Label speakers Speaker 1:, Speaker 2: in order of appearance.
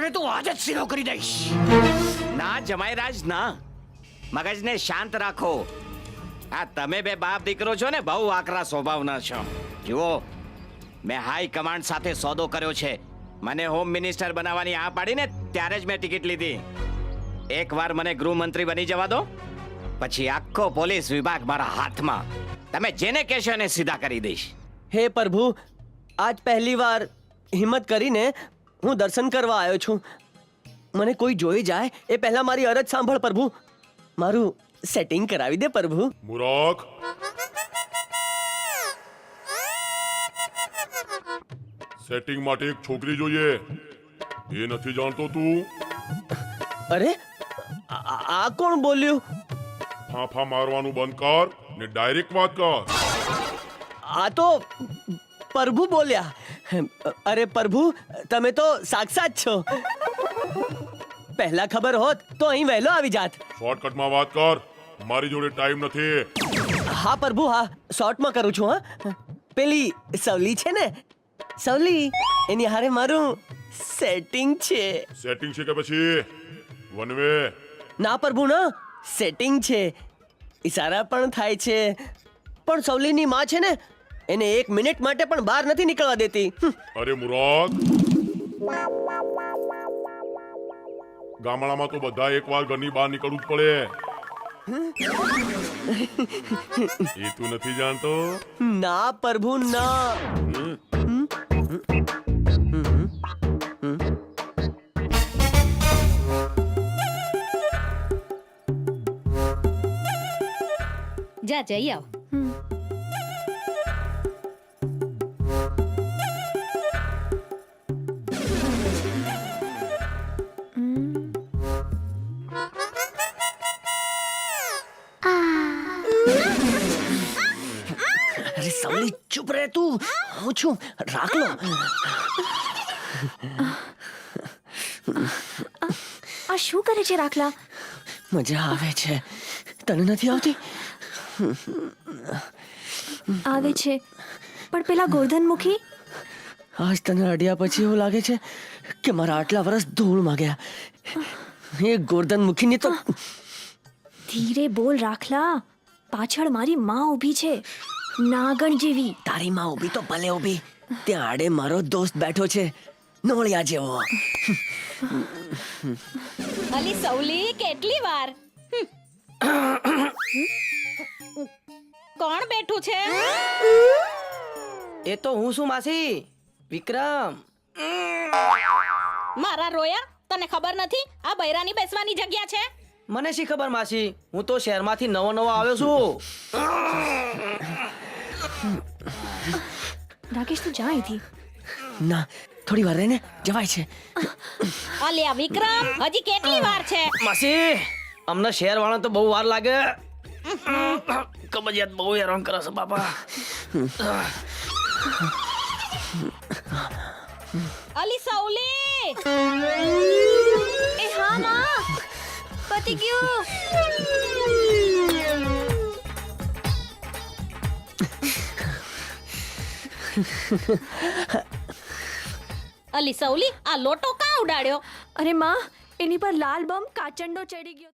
Speaker 1: તને તો આજ જ સીધો કરી દઈશ.
Speaker 2: ના જમાઈરાજ ના, મગજને શાંત રાખો. આ તમે બે બાપ દીકરો છો ને, બહુ આકરા સ્વભાવના છો. જુઓ, મેં હાઈ કમાન્ડ સાથે સોદો કર્યો છે. મને હોમ મિનિસ્ટર બનાવવાની આ પાડીને ત્યારે જ મેં ટિકિટ લીધી. એકવાર મને ગૃહમંત્રી બની જવા દો, પછી આખો પોલીસ વિભાગ મારા હાથમાં. તમે જેને કહેશો એને સીધા કરી દઈશ.
Speaker 3: હે પ્રભુ, આજ પહેલી વાર હિંમત કરીને હું દર્શન કરવા આવ્યો છું. મને કોઈ જોઈ જાય એ પહેલા મારી અરજ સાંભળ પ્રભુ. મારું સેટિંગ કરાવી દે પ્રભુ.
Speaker 4: મુરાક, સેટિંગ માટે એક છોકરી જોઈએ. એ નથી જાણતો તું?
Speaker 3: અરે આ કોણ બોલ્યું?
Speaker 4: ફાંફા મારવાનું બંધ કર ને ડાયરેક્ટ વાત કર.
Speaker 3: આ તો પ્રભુ બોલ્યા. અરે પ્રભુ, તમે તો સાક્ષાત છો. પહેલા ખબર હોત તો અહીં વહેલો આવી જાત.
Speaker 4: શોર્ટકટમાં વાત કર, મારી જોડે ટાઈમ નથી.
Speaker 3: હા પ્રભુ, હા, શોર્ટમાં કરું છું. હા, પેલી સવલી છે ને, સવલી, એની હારે મારું સેટિંગ છે.
Speaker 4: સેટિંગ છે કે પછી વન વે?
Speaker 3: ના પ્રભુ ના, સેટિંગ છે. ઈશારા પણ થાય છે. પણ સવલીની માં છે ને, એને 1 મિનિટ માટે પણ બહાર નથી નીકળવા દેતી.
Speaker 4: અરે મુરાક, ગામડામાં તો બધા એકવાર ઘરની બહાર નીકળવું જ પડે. એ તું નથી જાણતો?
Speaker 3: ના પ્રભુ ના.
Speaker 5: જા જઈ આવ.
Speaker 3: અરે સવલી, ચૂપ રહે તું. હું છું, રાખ લો.
Speaker 6: આ શું કરે છે રાખલા?
Speaker 3: મજા આવે છે. તને નથી આવતી?
Speaker 6: આવે છે, પણ પેલા ગોરધનમુખી?
Speaker 3: આજ તને અડ્યા પછી એવું લાગે છે કે મારા આટલા વર્ષ ધૂળમાં ગયા. એ ગોરધનમુખીની તો...
Speaker 6: ધીરે બોલ રાખલા, પાછળ મારી માં ઊભી છે, નાગણ જેવી.
Speaker 3: તારી માં ઊભી તો ભલે ઊભી, ત્યાં આડે મારો દોસ્ત બેઠો છે, નોળિયા જેવો.
Speaker 5: અલી સવલી, કેટલી વાર? કોણ બેઠું છે?
Speaker 7: એ તો હું છું માસી, વિક્રમ.
Speaker 5: મારા રોયા, તને ખબર નથી આ બૈરાની બેસવાની જગ્યા છે?
Speaker 7: મને શી ખબર માસી, હું તો શહેરમાંથી નવો આવ્યો છું.
Speaker 6: રાકેશ, તું જા અહીંથી.
Speaker 3: ના, થોડી વાર રહીને જવાય છે.
Speaker 5: અલ્યા વિક્રમ, હજી કેટલી વાર છે?
Speaker 7: માસી, અમને શહેર વાળા તો બહુ વાર લાગે. કબજિયાત બહુ હેરાન કરે છે બાપા.
Speaker 5: અલી સવલી!
Speaker 6: એ હા માં, પતી ગયું.
Speaker 5: અલી સવલી, આ લોટો કાં ઉડાડ્યો?
Speaker 6: અરે માં, એની પર લાલ બમ કાચંડો ચડી ગયો.